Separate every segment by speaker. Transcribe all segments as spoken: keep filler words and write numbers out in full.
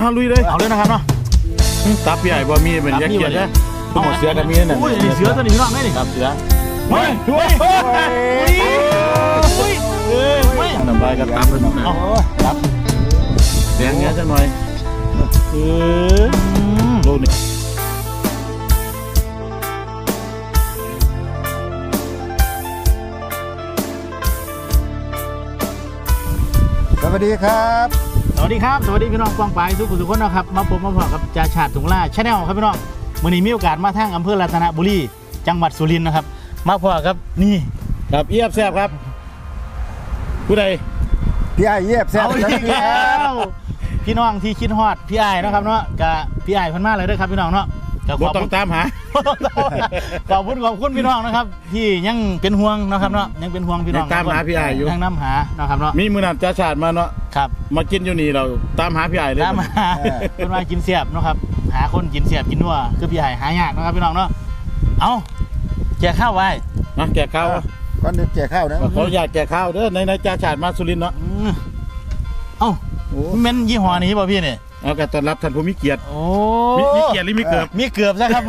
Speaker 1: เอาลุยเลยเอาเลยนะครับเนาะตับใหญ่บ่มีเป็นยักษ์เกียร์นะหมดเสือกันมีนั่นเสือตัวนี้พี่น้องได้ดิครับเสือเฮ้ยเฮ้ยเฮ้ยเฮ้ยเฮ้ยน้ำลายก็ตับเลยน้องตับเสียงเงี้ยจังหน่อยเออโลนี่
Speaker 2: สวัสดีครับ
Speaker 3: สวัสดีครับสวัสดีพี่น้องกองปลายทุกคนทุกคนนะครับมาพบมาพบกับจ่าชาติถุงล่าชาแนลครับพี่น้องวันนี้มีโอกาสมาทางอำเภอรัตนบุรีจังหวัดสุรินทร์นะครับมาพบครับนี่
Speaker 1: ครับเอียบแซ่บครับผู้ใด
Speaker 2: พี่ไอเยียบแซ่บ
Speaker 3: แล้วพี่น้องที่คิดฮอดพี่ไอ้นะครับเนาะกับพี่ไอ้พันมาเลยด้วยครับพี่น้องเนาะ
Speaker 1: บ่ต้องตามหา
Speaker 3: ขอบคุณขอบคุณพี่น้องนะครับที่ยังเป็นห่วงนะครับเนาะยังเป็นห่วงพี่น้อง
Speaker 1: ตามหาพี่ไอ้อยู่
Speaker 3: ยังน้ำหานะครับเนาะ
Speaker 1: มีมือนันจ่าชาติมาเนาะ
Speaker 3: ครับ
Speaker 1: มากินอยู่นี่เราตามหาพี่ไอ้เลย
Speaker 3: ตามหาเป็นมากินเสียบนะครับหาคนกินเสียบกินนัวคือพี่ไอ้หายากนะครับพี่น้องเนาะเอาแจกข้าวไว้
Speaker 1: นะแจกข้าว
Speaker 2: ก่อนเดี๋ยวแจกข้าวนะ
Speaker 1: ขออยากแจกข้าวเด้อในในจ่าชาติมาสุรินทร์เนาะ
Speaker 3: เอ้าเม้นยี่ห้อนี้ป่ะพี่เนี่ย
Speaker 1: เอาการต้อนรับท่านผู้มีเกียรติ
Speaker 3: โอ้
Speaker 1: มีเกียรติหรือมีเกือบ
Speaker 3: มีเกือบซะครับ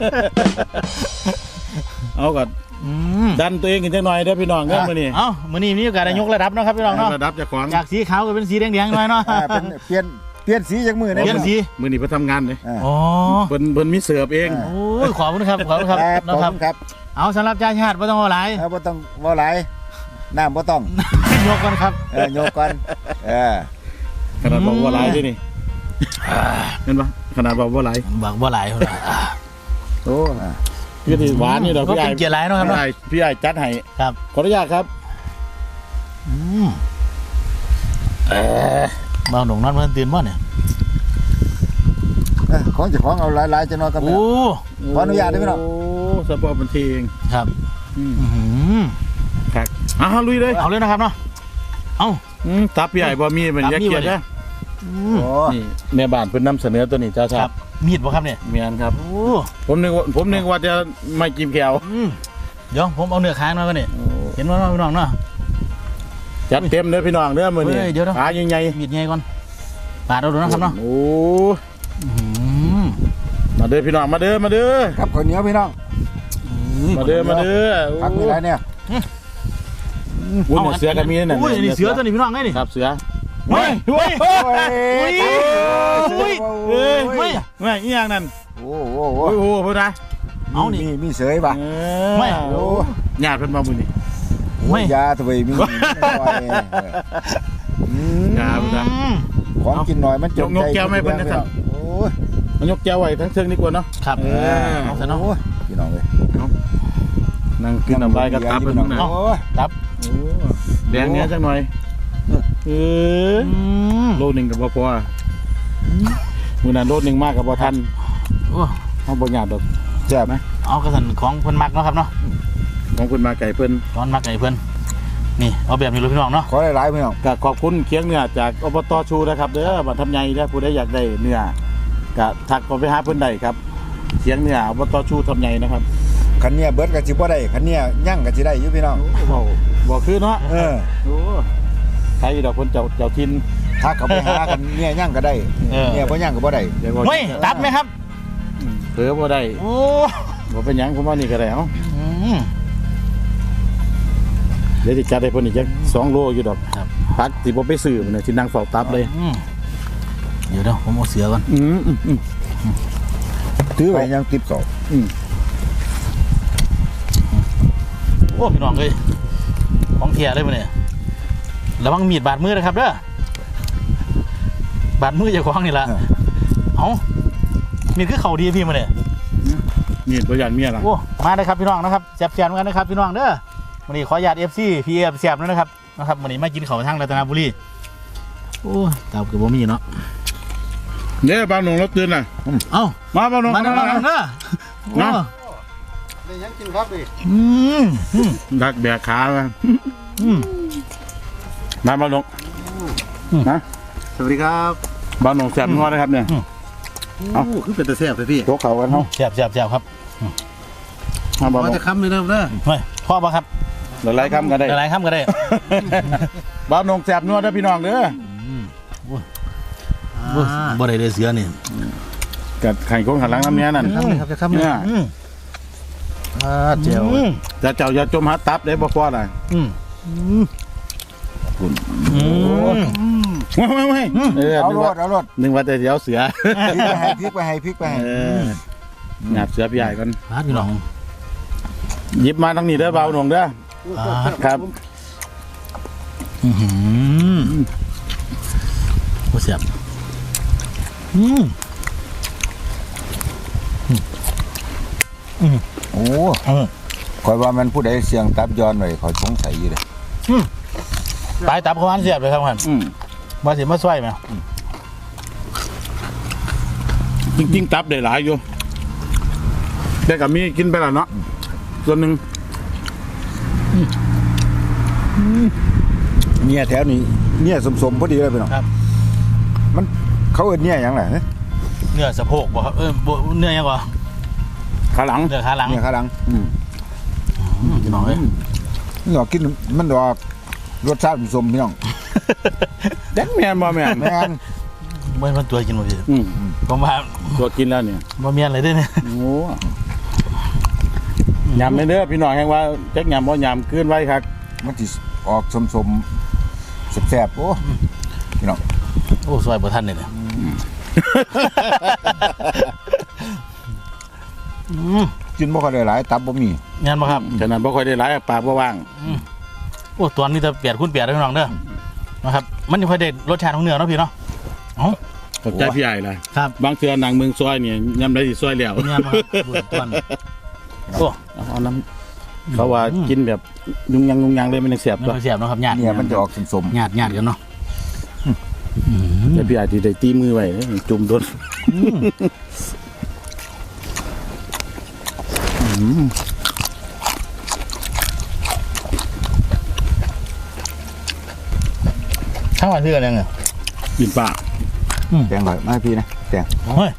Speaker 1: เอาก่อนดันตัวเองกันจังหน่อยเด้อพี่น้องเด้อมื้อนี้
Speaker 3: เอ้ามื้อนี้มีโอกาสได้ยกระดับนะครับพี่น้องเนาะ
Speaker 1: ระดับจากของ
Speaker 3: จากสีขาวก็เป็นสีแดงๆหน่อยเนาะ
Speaker 2: เป็นเปลี่ยนเปลี่ยนสีจากมือ
Speaker 3: เปลี่ยนสี
Speaker 1: มื้อนี้เพิ่นทำงานเลย
Speaker 3: อ๋อ
Speaker 1: เพิ่นเพิ่นมีเสิร์ฟเอง
Speaker 3: โอ้ยขอบคุณครับขอบคุณครับ
Speaker 2: นะครับ
Speaker 3: เอาสำหรับจ่าชาติบ่ต้องเอาหลาย
Speaker 2: บ่ต้องบ่หลายน้ำบ่ต้อง
Speaker 3: ยกก่อนครับ
Speaker 2: เออยกก่อนเออ
Speaker 1: ขนาดบอกว่าหลายด้วยนี่เห็นปะขนาดบอกว่าหลาย
Speaker 3: บอกว่าหลาย
Speaker 1: โอ้พี่ที่หวานนี่เราพี่ไอ้
Speaker 3: เกียร์หลายนะครับ
Speaker 1: พี่ไอ้จัดให้
Speaker 3: ครับ
Speaker 1: ขออนุญาตครับ
Speaker 3: อืมเออมาหนุ่มนอนเมื่อตื่นบ่เนี่ย
Speaker 2: ของเจ้าของเอาหลายๆจะนอนกัน
Speaker 3: โอ้
Speaker 2: ขออนุญาตได้ไหมน้อง
Speaker 1: โอ้สปอร์ตบันเทิง
Speaker 3: ครับ
Speaker 1: อืมครับอ่ะลุยเลย
Speaker 3: เอาเลยนะครับเนาะเอา
Speaker 1: ตับพี่ไอ้บ่มีเป็นยักษ์เกียร์นะนี่แม่บ้านเพิ่นนำเสนอตัวนี้จ้าชาติ
Speaker 3: มีดบ่ครับเนี่ย
Speaker 1: มีอันครับผมนึกว่าผมนึกว่าจะไม่กินแก้ว
Speaker 3: เดี๋ยวผมเอาเนื้อค้างมาก่อนนี่เห็นว่าพี่น้องเนาะ
Speaker 1: จัดเต็มเด้อพี่น้องเด้อมื้อนี้
Speaker 3: เดี๋ยว
Speaker 1: ขาใหญ่
Speaker 3: ๆมีดใหญ่ก่อนปาดเอาดูนะครับเนาะ
Speaker 1: โอ้มาเด้อพี่น้องมาเด้อมาเด้อ
Speaker 2: ครับข้าวเหนียวพี่น้อง
Speaker 1: มาเด้อมาเด้อ
Speaker 2: พักมีอะไรเนี่ย
Speaker 1: วุ้นเสือกันมีนั่น
Speaker 3: อุ้ยนี่เสือตัวนี้พี่น้องไงนี่
Speaker 1: ครับเสือ
Speaker 3: เฮ้ยเฮ้ยเฮ้ยเฮ้ยเฮ้ยเฮ้ย
Speaker 1: ไม่อีหยังนั่น
Speaker 2: โอ้โห
Speaker 1: โอ้โหพูดนะ
Speaker 2: เอานี่มีเสยป่ะ
Speaker 3: ไม่
Speaker 1: โอ้ญาติเพิ่นมาบุญนี่
Speaker 2: ไม่ยาตัวมี
Speaker 1: ยาบุญนะ
Speaker 2: ของกินหน่อยมันจงใจ
Speaker 1: ยกแก้วไม่เพิ่นนะครับโอ้มันยกแก้วไว้ทั้งเชิงนี่กว่าเนาะ
Speaker 3: ครับเออเอาซะเนาะ
Speaker 2: พี่น้องเลย
Speaker 1: นั่งกินน้ำลายกับตับเป็นน้อง
Speaker 3: ตับ
Speaker 1: แดงเนี้ยจังหน่อยเออโลหนึ่งกับพอมือนั้นโลหนึ่งมากกับพอทันเอาบางอย่างดอก
Speaker 2: แซ่บไหม
Speaker 3: เอากระสันของเพิ่นมักเนาะครับเนาะ
Speaker 1: ของเพิ่นมาไก่เพิ่น
Speaker 3: ตอนมักไก่เพิ่นนี่เอาแบบนี้เลยพี่น้องเนาะ
Speaker 2: ขอหลายๆพี่น้อง
Speaker 1: ก็ขอบคุณเคียงเนื้อจากอบตชูนะครับเด้อบัตรทำไงถ้าผู้ใดอยากได้เนื้อก็ทักไปหาเพิ่นได้ครับเคียงเนื้ออบตชูทำไงนะครับ
Speaker 2: ขันเนี้ยเบิร์ดกับจิบ่ได้ขันเนี้ยยั่งกับจิได้อยู่พี่น้อง
Speaker 1: บอกบอกคือเนาะ
Speaker 2: เออ
Speaker 1: โอ้ใครดอกคนเจ้าเจ้าทิน
Speaker 2: ถ้าเขาไปหากันเนี้ยยั่งก็ได้เนี่ยบ่ยั่งก็บ่ได้
Speaker 3: เฮ้ยตับไหมครับ
Speaker 1: เผือบ่ได้
Speaker 3: โอ้
Speaker 1: บ่เป็นยังผมว่านี่ก็ได้เอ้าเดี๋ยวจะจัดให้เพิ่นอีกจักสองโลอยู่ดอกพักสิบ่ไปซื้อมันน่ะสินั่งเฝ้าตับเลย
Speaker 3: เดี๋ยวเดี๋ยวผมเอาเสือก่อน
Speaker 1: อืม
Speaker 2: ถือไว้ยังติดสอบ
Speaker 3: โอ้พี่น้องเลยของเทียเลยมั้ยเนี่ยระวังมีดบาดมือนะครับเด้อบาดมืออย่าคว้างนี่ละเอามีดคือเข่าดีพี่มาเนี่ย
Speaker 1: มีดประหยัดเมียละ
Speaker 3: โอ้มาเลยครับพี่น้องนะครับแซ่บๆกันนะครับพี่น้องเด้อวันนี้ขอญาติเอฟซีพีเอฟแซ่บแล้วนะครับนะครับวันนี้มากินข้าวทางรัตนบุรีโอ้ตาเกือบบ่มีเนาะ
Speaker 1: เนี่ยบ้านหนุ่มรถตื่นน่ะ
Speaker 3: เอ้า
Speaker 1: มาบ้านหนุ่ม
Speaker 3: มาบ้านหนุ่มเด้อ
Speaker 2: ได้ยังกินครับดิ
Speaker 3: อืม
Speaker 1: ดักแบกขาไปมาบ้านหนุ่มนะ
Speaker 2: สวัสดีครับ
Speaker 1: บ้านหนุ่มแซ่บงอนะครับเนี่ย
Speaker 2: เอาคือเป็นตะแซ่บเลยพี่
Speaker 1: โต๊ะเขากันเขา
Speaker 3: แซ่บแซ่บแซ่บครับ
Speaker 1: มาบ้านหนุ่ม
Speaker 2: จะค้ำเลยนะเด้อ
Speaker 3: ไม่พ่อป่ะครับ
Speaker 1: หลายๆคำก็ได้
Speaker 3: หลายๆคำก็ได้
Speaker 1: บ้านหนุ่มแซ่บงอเด้อพี่น้องเด้อ
Speaker 3: บ่ได้ได้เสือนี่
Speaker 1: กับไข่ของหันหลังน้ำเนี้ยนั่น
Speaker 3: ครับครับจะทำเนี่ยอ่าเจียว
Speaker 1: จะเจ้าอย่าจมหาตับได้บ่พอน่ะ
Speaker 3: อืม
Speaker 1: คุณ
Speaker 3: อืม
Speaker 1: ไม่ไม่ไม่เออ
Speaker 2: เอา
Speaker 1: นึก
Speaker 2: ร
Speaker 1: ว่า
Speaker 2: ถเอารถ
Speaker 1: นึกว่าแต่เดี๋ยวเสือ
Speaker 2: พริกไปให้พริกไปให้พริกไปให้
Speaker 1: เออหยาบเสือพี่ใหญ่กัน
Speaker 3: ฮะพี่น้อง
Speaker 1: หยิบมาทางนี้เด้อเบาหน่งเด้อครับ
Speaker 3: อือหือโคตรเสียบอืม
Speaker 2: โอ้
Speaker 3: เออ
Speaker 2: คอยว่ามันผู้ใดเสียงตับย้อนไว้เขาสงสัยอยู่เลย
Speaker 3: ตายตับเขาอันเสียบเลยครับท่าน
Speaker 1: อืม
Speaker 3: มาสิมาช่วยไหม
Speaker 1: จริงๆตับได้หลายอยู่แต่กับมีกินไปแล้วเนาะส่วนหนึ่ง
Speaker 2: เนี่ยแถวนี้เนี่ยสมๆพอดีเลยพี่น้อง
Speaker 3: ครับ
Speaker 2: มันเขาเอิ้นเนี่ยหยังไง
Speaker 3: เนื้อสะโพกบ่ครับเออบ่เนื้อยังบ่
Speaker 1: ขาหลัง
Speaker 3: เนื้อขาหลัง
Speaker 2: เนี่ยข้างหลัง
Speaker 1: อืม
Speaker 3: อืมพี่น้องเอ้ย
Speaker 2: นี่ออกกินมันดอกรสชาติสมพี่น้อง
Speaker 1: แดกแมนบ่แมน
Speaker 2: แม่น
Speaker 3: บ่มันตัวกินบ่พี่
Speaker 1: อืม
Speaker 3: ผมว่า
Speaker 1: ตัวกินแล้วเนี่ย
Speaker 3: บ่เมียนเลยเด้อเนี่ย
Speaker 1: โอ้ยำไม่เด้อพี่น้องแห่งว่าจักยำบ่ยำขึ้นไว้ครับ
Speaker 2: มันสิออกสมๆแซ่บๆโอ้พี่น้อง
Speaker 3: โอ้ซอยบ่ทันเลยเนี่ยอืม
Speaker 2: กินบ่ค่อยได้หลายตับบ่มี
Speaker 3: งานบ่ครับ
Speaker 1: ฉะนั้นบ่ค่อยได้หลายปากบ่ว่าง
Speaker 3: โอ้ตัวนี้จะเปียดคุณเปียดได้พี่น้องเด้อนะครับมันยังค่อยได้รสชาติของเนื้อเนาะพี่เนาะเอ้า
Speaker 1: ขอบใจพี่ใหญ่เลย
Speaker 3: ครับ
Speaker 1: บางเทื่อหนังเมืองซอยเนี่ยยำได้สิซอยแล้ว
Speaker 3: งานบ่ครับดูตัวนี้โอ้
Speaker 1: เอาน้ำเขาว่ากินแบบยุงยังยุงยังเลยมันยังเสียบ
Speaker 3: ไม่
Speaker 1: ตัว
Speaker 3: ค่อยเสียบเนาะครับญาติ
Speaker 2: เนี่ยมันจะออกสม
Speaker 3: ญาติญาติกันเนาะ
Speaker 1: แต่พี่ใหญ่ที่ได้ตีมือไว้จุ่มโดน
Speaker 3: ทั้งวันที่กันยังไง
Speaker 1: กินปาก
Speaker 2: ๆแตงหน่อยมาให้พี่นะแตง
Speaker 3: เฮ้ย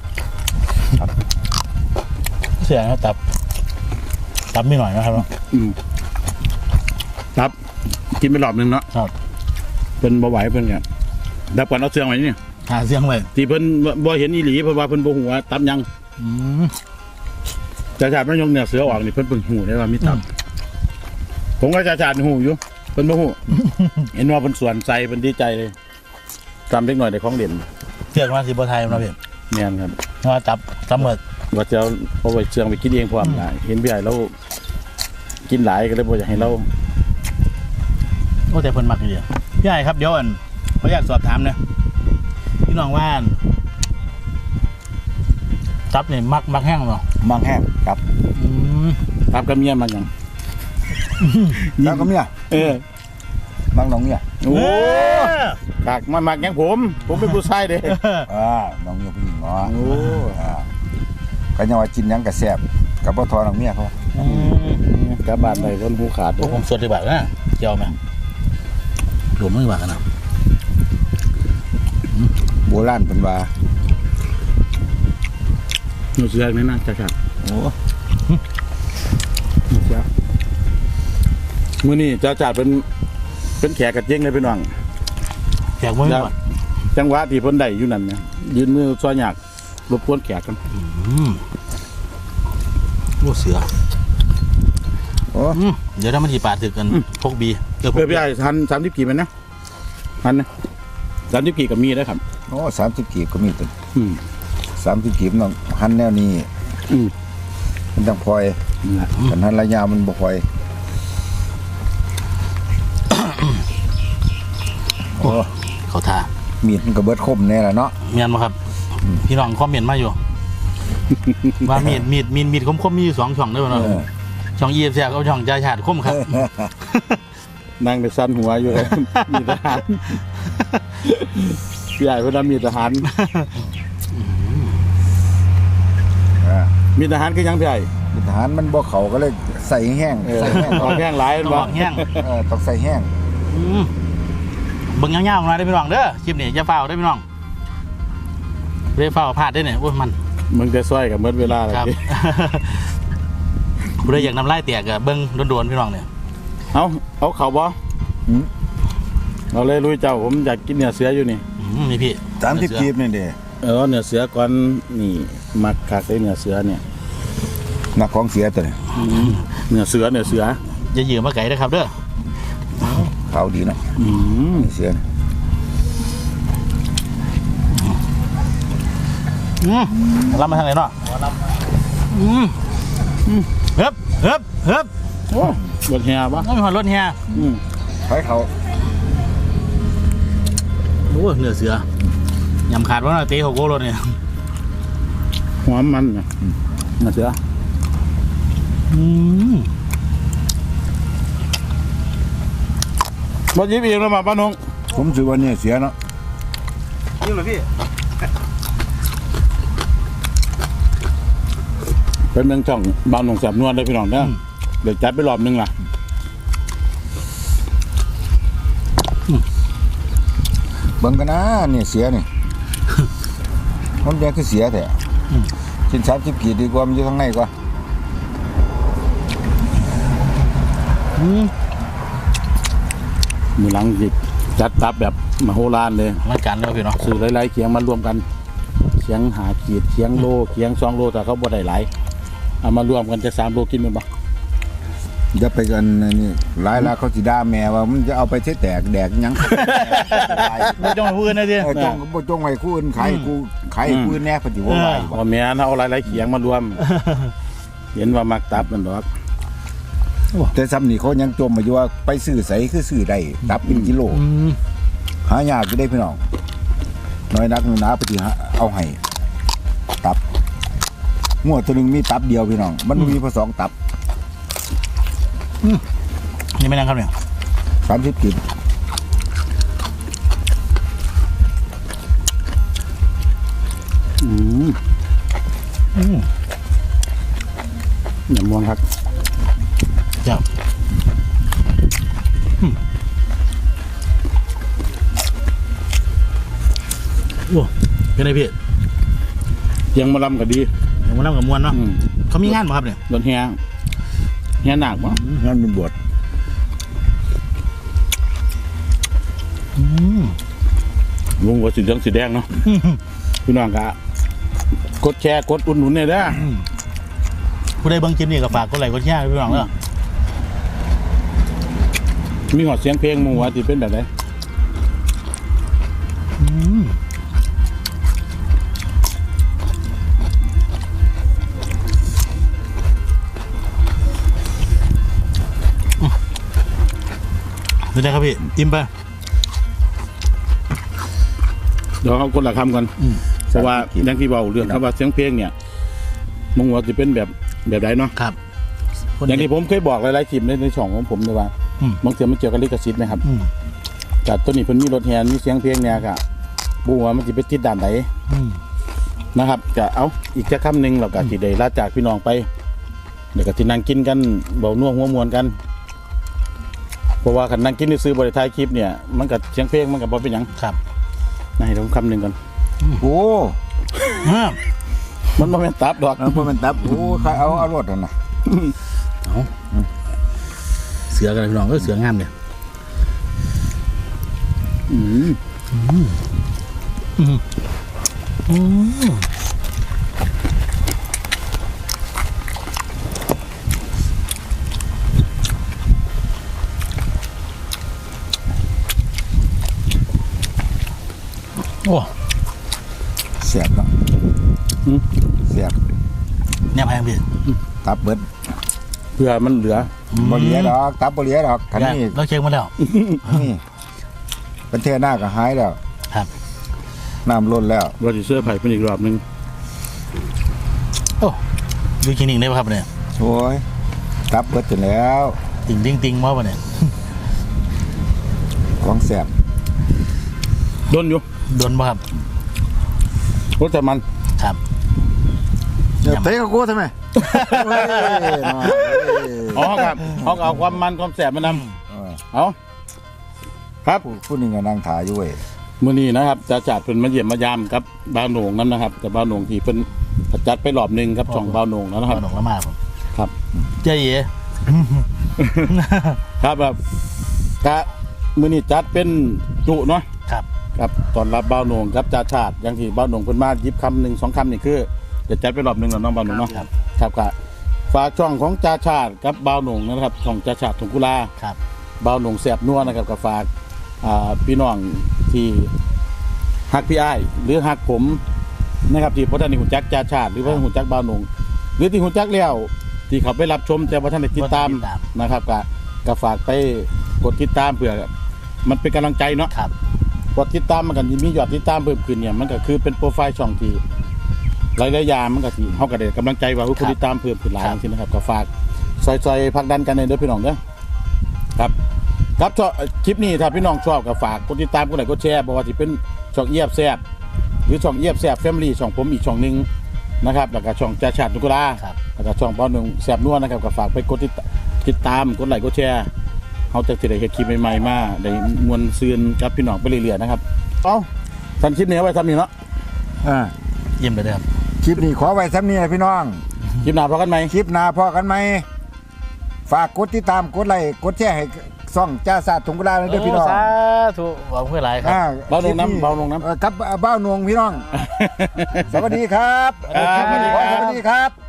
Speaker 3: เสียนะตับตับไม่หน่อยนะครับเนาะ
Speaker 1: อืมครับกินไปรอบหนึงเนาะ
Speaker 3: ครับ
Speaker 1: เพิ่นบ่ไหวเพิ่นก็ดับก่อนเอาเสื่องไว้นี่
Speaker 3: หาเสียงไว้
Speaker 1: ที่เพิ่นบ่เห็นอีหลีเพราะว่าเพิ่นบ่ฮู้ว่าตับยัง
Speaker 3: อืม
Speaker 1: จ่าชาติมันยกเนื้อเสือออกนี่เพิ่นเพิ่งฮู้ได้ว่ามีตับ ผมก็จ่าชาติฮู้อยู่เพิ่นบ่ฮู้ เห็นว่าเพิ่นสวนใจเพิ่นดีใจเลยตามเล็กหน่อยได้ของเด่น
Speaker 3: เสียงมาสีบัวไทยเนาะพี่
Speaker 1: แม่นครับ
Speaker 3: เพราะว่าตับตับหมด
Speaker 1: ว่าจะเอาเอาไว้เชื่องไปกินเองพร้อมหลายเห็นพี่ใหญ่เรากินหลายก็เลยบ่อยากให้เรา
Speaker 3: โอ้แต่เพิ่นมักอยู่เดียวพี่ใหญ่ครับเดี๋ยวอันขออยากสอบถามนะพี่น้องว่าอันตับนี่มักมักแห้งเนาะ
Speaker 2: มังแห้งครับ
Speaker 3: อืม
Speaker 1: ตามกับเมียมันยัง
Speaker 2: แล้วก็เมีย
Speaker 1: เออ
Speaker 2: มังน้องเมีย
Speaker 1: โอ้กากมันมักยังผม ผมเป็นผู้ชายเด้
Speaker 2: อ่าน้องเมียผู้หญิงเนาะ
Speaker 1: โอ้
Speaker 2: อ่าก็ยังว่ากินหยังก็แซ่บกับบ่ทอน้องเมียเขา
Speaker 3: อืม
Speaker 1: กลับบ้านได้คนผู้ขาด
Speaker 3: พวกผมสดดีกว่านะเจียวไหมรวมไม่ว่ากันนะ
Speaker 2: โบราณเพิ่นว่า
Speaker 1: หนูเสือนี่นะจ้าครับ
Speaker 2: โอ้
Speaker 1: จ้ามื้อนี้จ้าจ่าเป็นเป็นแขกกระเจ๊งเลยพี่น้อง
Speaker 3: แขกมือก่อน
Speaker 1: จังหวะที่เพิ่นได้อยู่นั่นเนี่ยยืนมือซอยหยากรบกวนแขกกัน
Speaker 3: อืมโอ้เสือ
Speaker 2: โอ้
Speaker 3: อืมเดี๋ยวถ้ามันทีปาดถึกกันพกบีเออพก
Speaker 1: เพื่อ
Speaker 3: บี
Speaker 1: พี่ไอ้ทันสามสิบกี่มันนะทันนะสามสิบกี่กับมีได้ครับ
Speaker 2: โอ้สามสิบกีบก็มีตัว
Speaker 1: อืม
Speaker 2: สามสิบกีบน้องหันแนวนี้
Speaker 1: อืม
Speaker 2: มันต้องพลอย
Speaker 1: นั่นแหละ
Speaker 2: กันหันระยะมันบ่พลอยโอ้
Speaker 3: เขาทา
Speaker 2: มีดมันก็เบิดคมแน่ล่ะเนาะ
Speaker 3: เมียนมาครับ พี่น้องคอมเมนต์มาอยู่ ว่ามีดมีดมีดมีดคมคมๆมีอยู่สองช่องด้วยเนาะ
Speaker 2: เออ
Speaker 3: ช่องเอฟซีกับช่องจ่าชาติคมครับ
Speaker 1: นั่งไปสั้นหัวอยู่ มีทหารพี่ใหญ่เพิ่นว่ามีทหาร
Speaker 2: อ่า
Speaker 1: มีทหารคือยังพี่ใหญ่
Speaker 2: มีทหารมันบ่เข้าก็เลยใส่แห้ง
Speaker 1: เออ
Speaker 2: ใส่แห้ง
Speaker 1: ออกแห้งหลาย
Speaker 3: ต้
Speaker 1: แม่
Speaker 3: อน ง
Speaker 1: บ่
Speaker 3: บอกแห้ง
Speaker 2: เออต้องใส่แห้ง
Speaker 3: อืมเบิ่งยาวๆมาได้อพี่น้องเด้อคลิปนี้อย่าเฝ้าได้อพี่น้องเรื่อเฝ้าพลาดได้อเนี่ยโอ้ยมัน
Speaker 1: มึงจะซอยกับเมื่อเวลาอะไร
Speaker 3: ครับ ผู้ใดอยากนำไล่เตียกกับเบิ้งโดนๆพี่น้องเนี่ย
Speaker 1: เอาเอาเขาบ่
Speaker 2: หืม
Speaker 1: เอาเลยลุยเจ้าผมอยากกินเนื้อเสืออยู่นี่
Speaker 3: อืมนี่พี่
Speaker 2: สามสิบกีบนี่เด้
Speaker 1: เออเนื้อเสือก่อนนี่มักคักได้เนื้อเสือเนี่ย
Speaker 2: นักของเสียตัวนี้
Speaker 1: เนื้อเสือเนื้อเสือ
Speaker 3: อย่ายืมมาไก่นะครับเด้อ
Speaker 2: เขาดีเนาะ
Speaker 1: อืม
Speaker 2: เสีย
Speaker 3: อืมรับมาทางไหนเนาะอืมอืมเฮ้บเฮ้บเฮ้บ
Speaker 1: โอ้รถแห่ปะ
Speaker 3: ต้องมีหอดรถเฮีย
Speaker 1: อืม
Speaker 2: ไปเขา
Speaker 3: โอ้เนื้อเสือยำขาดว่าเตะหกโกโลเนี่ย
Speaker 1: หอมมันเนี่ยเนื้อเสือ
Speaker 3: อืม
Speaker 1: บดยิบเองแล้วมาป้าน้อง
Speaker 2: ผมถือว่าเนี่ยเสียเนาะ
Speaker 3: นี่เหรอพี่
Speaker 1: เป็นเมืองช่องบางหนองแสบนวลได้พี่น้องเนี่ยเดี๋ยวจัดไปรอบนึงล่ะ
Speaker 2: เบิ่งกันนะเนี่ยเสียนี่ มันแดงคือเสียแต่ชิ้นสามสิบกีบดีกว่ามันอยู่ข้างในกว่า
Speaker 3: อืม
Speaker 1: มือหลังจิจัดตับแบบมโหฬารเลย
Speaker 3: รักกันแล้วพี่เนาะ
Speaker 1: สื่อหลายๆเคียงมารวมกันเคียงหาขีดเคียงโลเคียงสองโลแต่เขาบ่ได้หลายเอามารวมกันจะสามโลกินมันบ่
Speaker 2: อย่าไปกันนี่หลายแล้วเขาสิด่าแม่ว่ามันจะเอาไปใช้แตกแดกหยัง
Speaker 3: ไม่ต้องมาพูดนะพี่
Speaker 2: เออจงบ่จงไว้คู่อื่นขายกูขายกูอื่นแน่ปฏิวัติไว้บ่
Speaker 1: พอแม่นเอาหลายๆเคียงมารวม เห็นว่ามักตับมันดอก
Speaker 2: แต่ซ้ำนี่เขายังจมมาอยู่ว่าไปซื้อใสคือซื้อได้ตับเป็นกิโล
Speaker 3: อืม
Speaker 2: หายากอยู่ได้พี่น้องน้อยนักหนูหนาไปที่หาเอาให้ตับงวดตัวหนึงมีตับเดียวพี่น้อง มันมีพอสองตับ
Speaker 3: นี่ไม่นั่งครับเนี่ย
Speaker 2: สามสิบกิโล
Speaker 1: อืม
Speaker 3: อืม
Speaker 1: อย่ามวนครับ
Speaker 3: เจ้าอืมโอ้เป็นไงพี่
Speaker 1: เคียงมาลำก็ดี
Speaker 3: เดี๋ยวมาเล่ากับมวลเนาะ
Speaker 1: อืม
Speaker 3: เขามีงานป่ะครับเนี่ย
Speaker 1: รถแห่แห่หนักบ่
Speaker 2: งานเป็นบวช
Speaker 3: อืม
Speaker 1: วงหัวสีเหลืองสีแดงเนาะพี่น้องก็กดแชร์กดอุดหนุนเนี่ยเด้อ
Speaker 3: ผู้ใดเบิ่งคลิปนี้ก็ฝากกดไลค์กดแชร์ให้พี่น้องเด้อ
Speaker 1: มีหอดเสียงเพลงหมู่ว่าสิเป็นแบบไหน
Speaker 3: อืมดูได้ครับพี่อิ่มไป
Speaker 1: เดี๋ยวเอาคนละคำกัน
Speaker 3: อืม
Speaker 1: เพราะว่าอย่างที่เบาเรื่องคำว่าเสียงเพลงเนี่ยมงว่าจะเป็นแบบแบบไหนเนาะ
Speaker 3: ครับ
Speaker 1: อย่างที่ผมเคยบอกหลายๆคลิปในในช่องของผมเลยว่า
Speaker 3: อืม
Speaker 1: บางทีมันเกี่ยวกับลิขสิทธิ์ไหมครับ
Speaker 3: อืม
Speaker 1: จากต้นนี้เพิ่นมีรถแฮนมีเสียงเพลงเนี่ยก็บูว่ามันจะไปติดด่านไหน
Speaker 3: อืม
Speaker 1: นะครับก็เอาอีกแค่คำหนึ่งเราก็สิได้ลาจากพี่น้องไปเดี๋ยวก็ที่นั่งกินกันเบาน่วหัวมวนกันเพราะว่าคันนั่งกินในซื้อบริท้ายคลิปเนี่ยมันกับเสียงเพลงมันกับบ่เป็นหยัง
Speaker 3: ครับ
Speaker 1: นะให้ผมคำหนึ่งก่อน
Speaker 2: โอ้
Speaker 3: อ่า
Speaker 1: มันบ่แม่นตับดอก
Speaker 2: แล้วพอมันตับโอ้ใครเอาเอารถนั่นน่ะ
Speaker 3: เอาเสือกันพี่น้องก็เสืองามเนี่ย
Speaker 1: อืม
Speaker 3: อืมอืมโอ้
Speaker 2: เสียบเนาะ
Speaker 1: อืม
Speaker 2: เสียบ
Speaker 3: เนี่ยแพงพี่
Speaker 2: ตับเบิด
Speaker 1: เพื่อมันเหลือ
Speaker 2: บ่เหลียดอกตับบ่เหลียดอกคันนี้
Speaker 3: เราเช็คมาแล้ว
Speaker 2: นี่เป็นเทหน้าก็หายแล้ว
Speaker 3: ครับ
Speaker 2: น้ำล้นแล้ว
Speaker 1: เราจะเสื้อไผ่เป็นอีกรอบหนึง
Speaker 3: โอ้ดูคลินิกได้ป่ะครับเนี่ย
Speaker 2: โอ้ยตับเบิดจนแล้ว
Speaker 3: ติ่งติ่งติ่งมาป่ะเนี่ย
Speaker 2: ของแสบ
Speaker 1: โดนอยู่
Speaker 3: โดนป่ะครับ
Speaker 1: รสแต่มัน
Speaker 3: ครับ
Speaker 2: เดี๋ยวเตะกับกูทำไมเฮ้ยน้อยเอ้ย
Speaker 1: อ๋อครับเขาก็เอาความมันความแสบมาน
Speaker 2: เออ
Speaker 1: ำเอาครับ
Speaker 2: ผู้ผู้หนึงก็นั่งถ่ายอยู่เว้ย
Speaker 1: มื้อนี้นะครับจะจัดเป็นมาเยี่ยมมายามครับบ้าวโหน่งนั่นนะครับแต่บ้าวโหน่งที่เป็นจัดไปรอบหนึ่งครับช่องบ้าวโหน่งแล้วนะค
Speaker 3: ค
Speaker 1: รั
Speaker 3: รั
Speaker 1: บบ
Speaker 3: หนองละมาผม
Speaker 1: ครับ
Speaker 3: เจ๊เอ๋
Speaker 1: ครับแบบกะมื้อนี้จัดเป็นจุเนาะ
Speaker 3: ครับ
Speaker 1: ครับตอนรับบ่าวโหนงครับจ่าชาติอย่างที่บ่าวโหนงเพิ่นมาหยิบคำหนึ่งสองคำนี่คือจะจัดไปรอบหนึงแล้วน้องบ่าวโหนงเนาะ
Speaker 3: ครับ
Speaker 1: ครับก็ฝากช่องของจ่าชาติกับบ่าวโหนงนะครับช่องจ่าชาติถุงกุลา
Speaker 3: ครับ
Speaker 1: บ่าวโหนงแซ่บนัวนะครับก็ฝากอ่าพี่น้องที่ฮักพี่อ้ายหรือฮักผมนะครับที่บ่ทันได้ฮู้จักจ่าชาติหรือว่าฮู้จักบ่าวโหนงหรือที่ฮู้จักแล้วที่เขาไปรับชมแต่บ่ทันได้ติดตามนะครับก็ก็ฝากไปกดติดตามเพื่อมันเป็นกำลังใจเนาะ
Speaker 3: ครับ
Speaker 1: กดติดตามมันกันมียอดติดตามเพิ่มขึ้นเนี่ยมันก็คือเป็นโปรไฟล์ช่องที่หลายๆอย่างมันก็ที่เฮาก็ได้กำลังใจว่าผู้ติดตามเพิ่มขึ้นหลายจริงๆนะครับก็ฝากซอยๆผลักดันกันในเด้อพี่น้องเด้อครับครับชอบคลิปนี้ถ้าพี่น้องชอบก็ฝากกดติดตามกดไลค์กดแชร์บอกว่าที่เป็นช่องเอียบแซ่บหรือช่องเอียบแซ่บแฟมิลี่ช่องผมอีกช่องนึงนะครับแล้วก็ช่องจ่าชาตินุกุลา
Speaker 3: ครับ
Speaker 1: แล้วก็ช่องบ่าวหนึ่งแซ่บนัวนะครับก็ฝากไปกดติดตามกดไลค์กดแชร์เขาจะได้เห็นคลิปใหม่ๆมาได้มวลซืนกับพี่น้องไปเรื่อยๆนะครับเอาทันคลิปนี้ไว้ทำนี่เนาะ
Speaker 2: อ่า
Speaker 3: เยี่ยมเลยครับ
Speaker 2: คลิปนี้ขอไว้ซ้ำนี้พี่น้อง
Speaker 1: คลิปหน้าพอกันไหม
Speaker 2: คลิปหน้าพอกันไหมฝากกดติดตามกดไลค์กดแชร์ให้ซ่องจ่าศาสตร์ถุงกระดาษด้วยพี่น้อง
Speaker 3: โสาธุหวังเพื่อหลายครับ
Speaker 2: อ่
Speaker 1: เบาลงน้ำเบาลงน้ำ
Speaker 2: เอ่อครับเบ้าหนวงพี่น้อง สวัสดีครับ
Speaker 1: ครับสวัสดีครับ
Speaker 2: สวัสดีครับ